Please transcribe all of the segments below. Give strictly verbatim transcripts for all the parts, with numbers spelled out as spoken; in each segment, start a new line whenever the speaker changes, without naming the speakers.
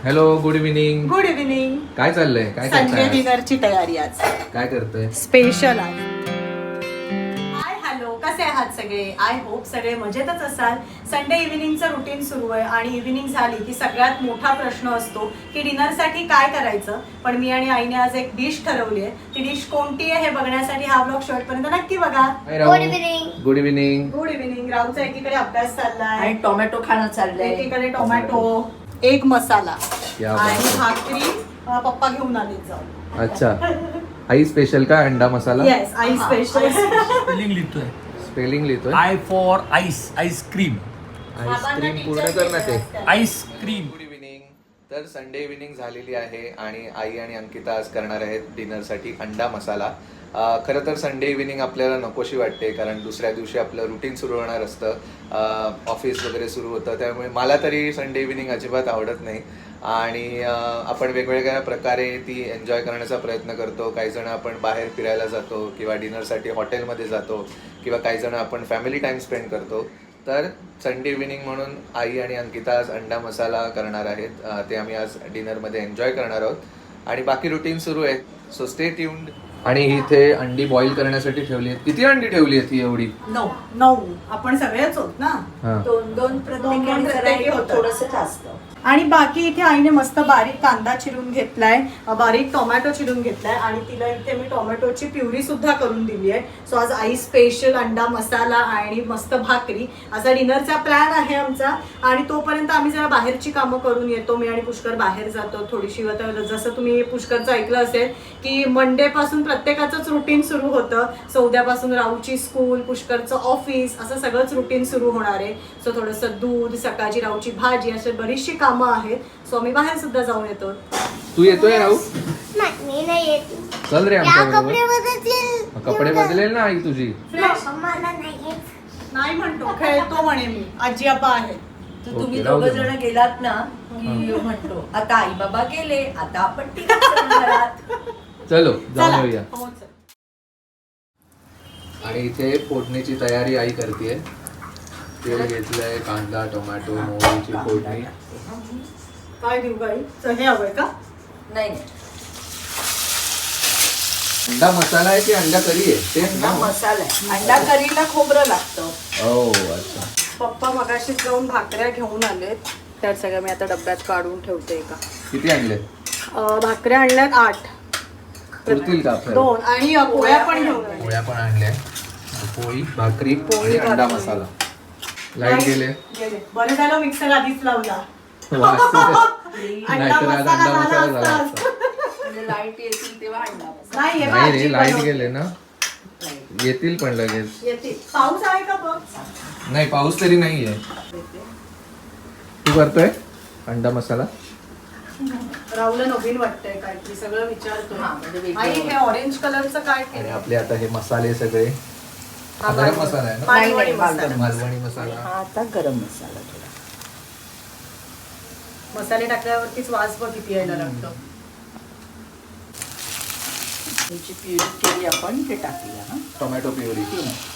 Hello, good evening.
Good evening.
काय चाललंय? काय
संडे
करताय?
डिनरची तयारी आज.
काय करतोय?
स्पेशल आज. हाय हॅलो, कसे आहात सगळे? आय होप सगळे मजेतच असाल. संडे इव्हिनिंगचं रुटीन सुरू आहे आणि इव्हिनिंग झाली की सगळ्यात मोठा प्रश्न असतो की डिनरसाठी काय करायचं. पण मी आणि आईने आज एक डिश ठरवली आहे. ती डिश कोणती आहे हे बघण्यासाठी हा ब्लॉग शेवटपर्यंत नक्की बघा.
Good evening. Good evening.
Good evening. राहूचा एकीकडे अभ्यास चाललाय
आणि टोमॅटो खाणं चाललंय.
एकीकडे टोमॅटो, एक मसाला
क्या बात
आणि
आहे.
भाकरी अ, पप्पा घेऊन आले जाऊन.
अच्छा, आई स्पेशल का अंडा मसाला?
येस, आई स्पेशल.
स्पेलिंग लिहितोय.
स्पेलिंग लिहितोय.
I for ice, ice cream.
Ice cream पूर्ण कर ना ते.
आईस्क्रीम.
Good evening. तर संडे इव्हिनिंग झालेली आहे आणि आई आणि अंकिता आज करणार आहेत डिनरसाठी अंडा मसाला. अं, खरं तर संडे इव्हिनिंग आपल्याला नकोशी वाटते, कारण दुसऱ्या दिवशी आपलं रुटीन सुरू होणार असतं, ऑफिस वगैरे सुरू होतं. त्यामुळे मला तरी संडे इव्हिनिंग अजिबात आवडत नाही आणि अं, आपण वेगवेगळ्या प्रकारे ती एन्जॉय करण्याचा प्रयत्न करतो. काही जण आपण बाहेर फिरायला जातो किंवा डिनरसाठी हॉटेलमध्ये जातो किंवा काही जण आपण फॅमिली टाईम स्पेंड करतो. तर संडे इव्हिनिंग म्हणून आई आणि अंकिता आज अंडा मसाला करणार आहेत. अं, ते आम्ही आज डिनरमध्ये एन्जॉय करणार आहोत आणि बाकी रुटीन सुरू आहे. So stay tuned. आणि इथे अंडी बॉईल करण्यासाठी ठेवली आहेत. किती अंडी ठेवली आहेत ही एवढी?
नऊ नऊ आपण सगळेच होत ना.
हा.
दोन दोन
दोन
प्रत्येकी
प्रत्येकी होतं.
थोडस जास्त.
आणि बाकी इथे आईने मस्त बारीक कांदा चिरून घेतलाय, बारीक टोमॅटो चिरून घेतलाय आणि तिला इथे मी टोमॅटोची प्युरी सुद्धा करून दिली आहे. सो आज आई स्पेशल अंडा मसाला आणि मस्त भाकरी असा डिनरचा प्लॅन आहे आमचा. आणि तोपर्यंत आम्ही जरा बाहेरची कामं करून येतो. मी आणि पुष्कर बाहेर जातो थोडीशी. आता जसं तुम्ही पुष्करचं ऐकलं असेल की मंडे पासून प्रत्येकाचंच रुटीन सुरू होतं. सो उद्यापासून राऊची स्कूल, पुष्करचं ऑफिस, असं सगळंच रुटीन सुरू होणार आहे. सो थोडंसं दूध, सकाळची राऊची भाजी, असे बरीचशी कामं आहेत. सो आम्ही बाहेर सुद्धा जाऊन येतो.
तू येतोय राहू?
नाही नाही येत.
चल रे
या
आमच्या
कपडे
बरोबर.
बदलतील.
कपडे बदलेल ना आई तुझी?
मला नाही येत.
नाही म्हणतो, खेळतो म्हणे मी. आजी आबा आहे.
तर
ओके,
तुम्ही
राहू
दोघं
दे.
जण गेलात ना की म्हणतो आता आई बाबा गेले, आता आपण तिघंच घरात.
चलो जाऊन
चला.
येऊया.
हो, चल.
आणि इथे फोडणीची तयारी आई करते. तेल घेतलंय, कांदा, टोमॅटो, मोहरीची फोडणी.
काय देऊ गाई? चल, हे हवंय का?
नाही नाही.
अंडा मसाला आहे की अंडा करी आहे? तेच
अंडा
ना?
मसाला आहे. अंडा करीला खोबरं लागतं.
ओ अच्छा.
पप्पा मगाशी जाऊन भाकऱ्या घेऊन आलेत. त्यात सगळ्या मी आता डब्यात काढून ठेवते. का
किती आणले?
भाकऱ्या आणल्यात आठ.
पुरतील का आपल्याला?
दोन आणि अ, पोळ्या पण घेऊन आले.
पोळ्या पण आणल्या. पोळी, भाकरी
पोळी,
आणि अंडा
भाकरी.
मसाला. लाईट गेले.
गेले. बरं झालं मिक्सर आधीच लावला.
वास
अंडा
नाहीतर आज
मसाला
अंडा मसाला
झाला
झाला
असता.
असता.
म्हणजे लाईट येतील तेव्हा अंडा मसाला.
नाही हे
नाही
भाजी
रे, लाईट
बनवते.
गेले ना. येतील पण लगेच.
येते. पाऊस आहे का बघ?
नाही, पाऊस तरी नाहीये. तू करतोय अंडा मसाला?
राहुला नवीन वाटतंय काहीतरी, सगळं विचारतो.
हा, म्हणजे वेगळं.
आई हे ऑरेंज कलरचं काय
आणि
केलं?
आपले आता हे मसाले सगळे.
हा,
हा गरम
मालवणी.
मसाला आहे ना?
मालवणी
नाही, नाही,
मसाला.
मालवणी मसाला.
हा आता गरम मसाला थोडा.
मसाले टाकल्यावरतीच वास बघ किती यायला लागतो.
त्याची प्युरी केली आपण, ते टाकूया. हा
टोमॅटो प्युरी.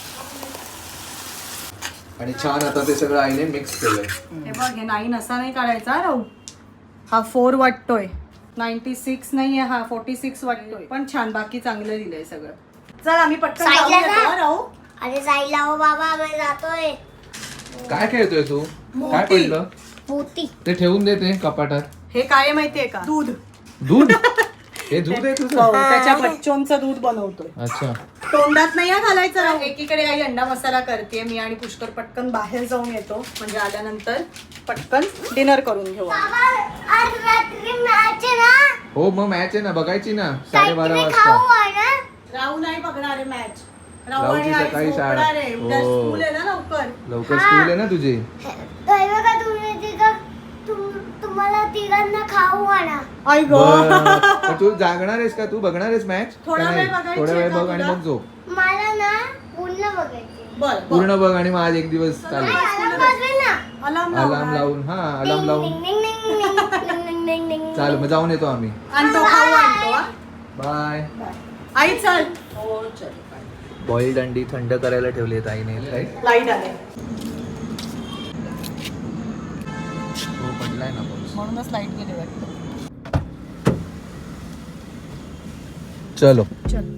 आणि छान आता ते सगळं आईने मिक्स केलंय.
हे बघ, हे नाईन असा नाही काढायचा हा राहू. हा फोर वाटतोय. नाईन्टी सिक्स नाहीये, हा फोर्टी सिक्स वाटतोय. पण छान, बाकी चांगलं दिलंय सगळं. चल आम्ही पटकन जाऊन
साईडला
येतो,
जा.
हा, राहू.
अरे जायला हो बाबा, आम्ही जातोय.
काय खेळतोय तू? काय
मोती.
पडलं?
मोती.
ते ठेवून देते कपाटात.
हे काय आहे माहितीये का? दूध.
दूध? हे दूध आहे
हो,
तुझं?
त्याच्या बच्चोंचं दूध बनवतोय.
अच्छा.
तोंडात नाही हा घालायचं राहू. एकीकडे आई अंडा मसाला करते, मी आणि पुष्कर पटकन बाहेर जाऊन येतो. म्हणजे आल्यानंतर पटकन डिनर करून घेऊ आम्ही.
बाबा आज रात्री मॅच आहे ना.
हो मग मॅच आहे ना, बघायची ना साडेबारा
काहीतरी खाऊ
वाजता.
आहे ना.
राहू नाही बघणार आहे मॅच. राहू
राहूची
आणि आई
सकाळी शाळा.
झोपणार आहे. उद्या
हो.
स्कूल आहे ना लवकर.
लवकर स्कूल आहे ना तुझी.
काय बघा तुम्ही तिघं, तुम- तुम्हाला तिघांना खाऊ आणा.
आई ग.
बरं. पण तू जागणार आहेस का? तू बघणार आहेस मॅच?
थोडा वेळ बघायची
थोडा वेळ
आहे का
बघ आणि
तुला?
मग झोप.
मला ना पूर्ण बघायचे.
बर बर.
पूर्ण बघ आणि मग आज एक दिवस चालेल.
अलार्म वाजवेल ना.
अलार्म
अलार्म लावून. हा अलार्म
डिंग,
लावून.
डिंग, डिंग, डिंग, डिंग, डिंग, डिंग, डिंग.
चाल मग जाऊन येतो आम्ही.
आणतो, खाऊ आणतो हा.
बाय.
आई चल.
हो चल.
बॉइल्ड अंडी थंड करायला ठेवली आहेत आईने. राईट.
लाईट आले.
हो पडलाय ना पाऊस.
म्हणूनच लाईट गेली वाटतं.
चलो
चल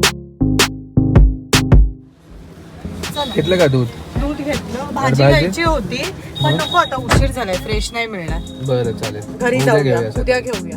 चल
घेतलं का दूध?
दूध घेतलं. भाजी
भाजी?
घ्यायची होती पण नको आता उशीर झालाय फ्रेश नाही मिळणार.
बरं चालेल
घरी
उद्या
जाऊया
घेऊया सगळं.
उद्या घेऊया.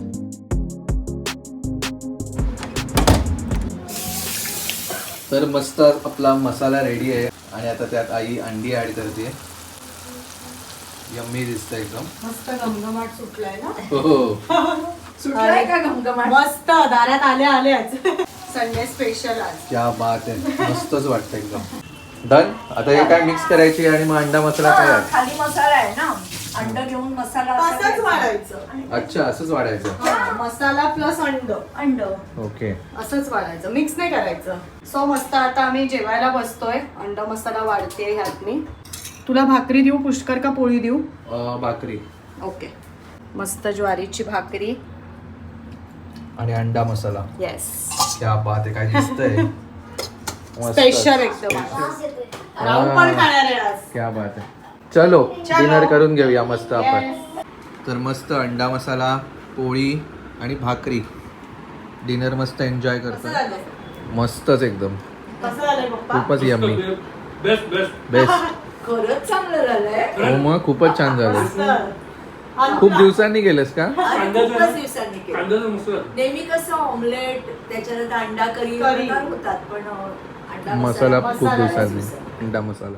तर मस्त आपला मसाला रेडी आहे आणि आता त्यात आई अंडी ऍड करते. यम्मी दिसतं एकदम.
मस्त घमघमाट सुटलाय ना.
हो
सुटलाय का घमघमाट?
मस्त दारात आल्या आल्याच. संडे स्पेशल आज.
क्या बात आहे मस्तच वाटतं एकदम. डन. आता हे काय मिक्स करायची आणि मग अंडा मसाला काय
हा,
आहे?
खाली मसाला आहे ना, अंड घेऊन मसाला असा
असंच
घ्यायचा.
वाढायचं.
अच्छा असंच वाढायचं.
हा, मसाला प्लस अंड
अंड
ओके
असंच वाढायचं, मिक्स नाही करायचं. सो मस्त आता आम्ही जेवायला बसतोय. अंड मसाला वाढते ह्यात मी. तुला भाकरी देऊ पुष्कर का पोळी देऊ?
अं, भाकरी
ओके. मस्त ज्वारीची भाकरी
आणि अंडा मसाला.
येस
क्या बात आहे काय दिसतंय. मस्त.
स्पेशल एकदम.
वास येतोय.
राहू पण खाणार आहे आज.
क्या बात आहे. चलो डिनर करून घेऊया मस्त आपण.
Yes.
तर मस्त अंडा मसाला पोळी आणि भाकरी डिनर मस्त एन्जॉय
कसं
करतोय.
झालंय?
मस्त एकदम
कसं झालंय पप्पा?
खूपच यम्मी
बेस्ट बेस्ट
बेस्ट.
खरंच चांगलं झालंय.
हो मग खूपच छान झालं.
मस्त.
खूप दिवसांनी गेलेस का?
आणि खूपच दिवसांनी केलं.
कांद्याचा मसाला
नेहमी कसं ऑमलेट त्याच्यानंतर अंडा करी
करी.
प्रकार होतात, पण अं, अंडा
मसाला
मसाला
खूप
मसाला
दिवसांनी अंडा मसाला.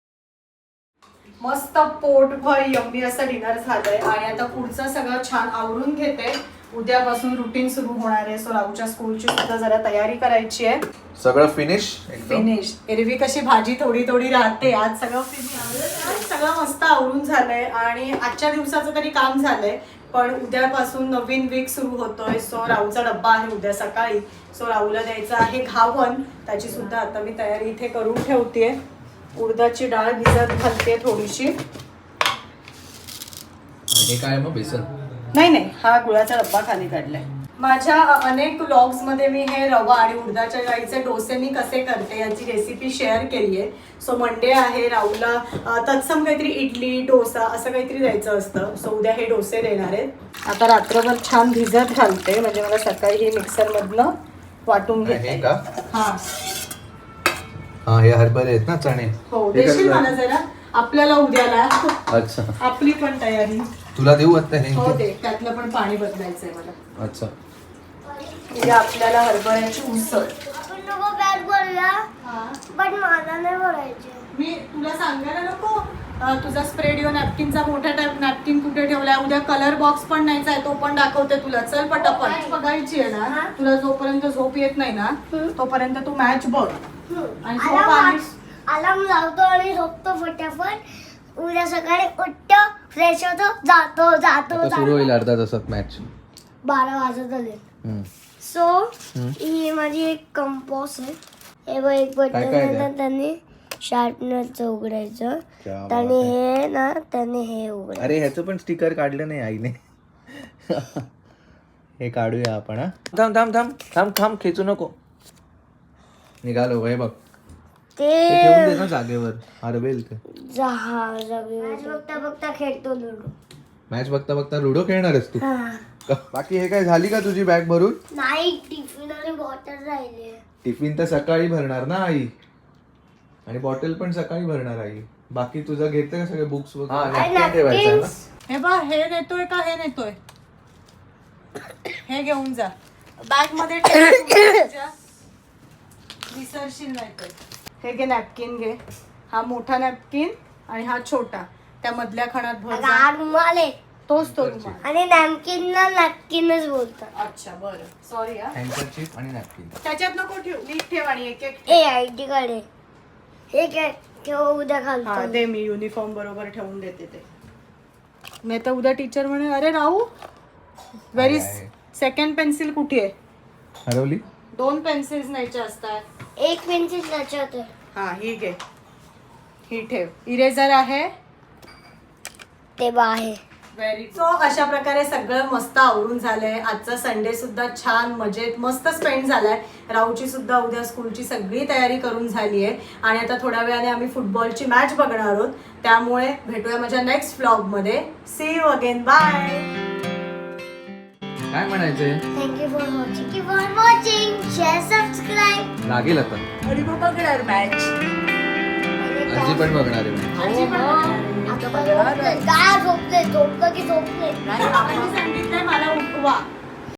मस्त पोटभर यम्मी असं डिनर झालंय आणि आता पुढचं सगळं छान आवरून घेते. उद्यापासून रुटीन सुरू होणार आहे. सो राहूच्या स्कूलची सुद्धा जरा तयारी करायची आहे.
सगळं फिनिश एकदम.
फिनिश. एरवी कशी भाजी थोडी थोडी राहते, आज सगळं फिनिश. सगळं मस्त आवरून झालंय आणि आजच्या दिवसाचं तरी काम झालंय. पण उद्यापासून नवीन वीक सुरू होतोय. सो राहूचा डब्बा आहे उद्या सकाळी. सो राहूला द्यायचं आहे घावन. त्याची सुद्धा आता मी तयारी इथे करून ठेवतेय. उडदाची डाळ भिजत घालते थोडीशी.
हे काय मग बेसन?
नाही नाही हा गुळाचा डब्बा खाली काढलाय. माझ्या अनेक व्लॉग्स मध्ये मी हे रवा आणि उडदाच्या डाळीचे डोसे मी कसे करते याची रेसिपी शेअर केली आहे. सो मंडे आहे. राहूला अ, तत्सम काहीतरी इडली डोसा असं काहीतरी द्यायचं असतं. सो उद्या हे डोसे देणार आहेत. आता रात्रभर छान भिजत घालते म्हणजे मला सकाळी ही मिक्सर मधनं वाटून
हे
घेते.
का?
हा
हा हे हरभरे आहेत ना चणे.
हो
हे
देशील
कसं?
मला जरा आपल्याला उद्याला.
अच्छा
आपली पण तयारी.
तुला देऊ आता हे?
हो दे. त्यातलं पण पाणी बदलायचंय मला.
अच्छा
उद्या आपल्याला हरभऱ्याची उसळ.
आपण नको बॅग भरूया, पण मला नाही भरायचे.
मी तुला सांगायला नको अं, तुझा स्प्रेड येऊन नॅपकिनचा मोठा टाईप नॅपकिन कुठे ठेवलाय. उद्या कलर बॉक्स पण न्यायचा आहे, तो पण दाखवते तुला. चल पटापट बघायची आहे ना. तुला जोपर्यंत झोप येत नाही ना तोपर्यंत तू मॅच बघ आणि झोप आली.
अलार्म लावतो आणि झोपतो फटाफट. उद्या सकाळी उठतो, फ्रेश होतो, जातो जातो
आता सुरू
जातो.
होईल अर्धा तासात मॅच.
बारा वाजत आले. सो ही माझी एक कंपोस्ट आहे. हे बघ एक
काय काय
बटन
आहे
आहे, त्यांनी शार्पनरचं उघडायचं.
क्या बात
त्याने
आहे.
हे ना त्याने हे उघडायचं.
अरे ह्याचं पण स्टिकर काढलं नाही आईने. हे काढूया आपण. हा थांब थांब थांब थांब थांब खेचू नको. निघालो हे बघ. ते ठेवून दे
ते
ना जागेवर हरवेल ते.
जहाज बघता बघता खेळतो लुडो.
मॅच बघता बघता लुडो खेळणार आहेस तू?
हा.
बाकी हे काय झाली का तुझी बॅग भरून?
नाही, टिफिन आणि बॉटल राहिले.
टिफिन तर सकाळी भरणार ना आई आणि बॉटल पण सकाळी भरणार आई. बाकी तुझं घेते का सगळे बुक्स वगैरे?
हे बघ हे नेतोय का हे नेतोय हे घेऊन जा. बॅग मध्ये ठेव तुझ्या. विसरशील नाही तर. हे घे नॅपकिन घे. हा मोठा नॅपकिन आणि हा छोटा. त्या मधल्या खणात भर
अगं,
जा.
हा रुमाल आहे
तोच तो रुमाल.
आणि नॅमकिनला नॅपकिनच बोलतात.
अच्छा बरं सॉरी हा.
हँकरचीफ आणि नॅपकिन.
त्याच्यात नको ठेव. नीट ठेव आणि एक एक
ए आय डी कार्ड आहे. हे काय ठेव, उद्या
हा
घालतो.
दे मी युनिफॉर्म बरोबर ठेवून देते ते. नाही तर उद्या टीचर म्हणे अरे राहू व्हेरी
आहे.
सेकंड पेन्सिल कुठे आहे?
हरवली?
दोन पेन्सिल्स न्यायच्या असतात.
एक पेन्सिल त्याच्यात आहे.
हा ही घे. ही ठेव. इरेझर आहे
ते बा आहे.
व्हेरी सो अशा प्रकारे सगळं मस्त आवरून झालंय. आजचा संडे सुद्धा छान मजेत मस्त स्पेंड झालाय. राऊची सुद्धा उद्या स्कूलची सगळी तयारी करून झाली आहे आणि आता थोड्या वेळाने आम्ही फुटबॉलची मॅच बघणार आहोत. त्यामुळे भेटूया माझ्या नेक्स्ट व्लॉग मध्ये. See you again. बाय.
काय म्हणायचंय?
Thank you for watching. की फॉर वॉचिंग. Share subscribe.
लागेल आता.
आणि मग बघणार मॅच.
आजी पण बघणार आहे.
आजी पण
आता झोपले. काय झोपले? झोपलं की झोपले.
नाही
आपण सांगितलंय मला उठवा.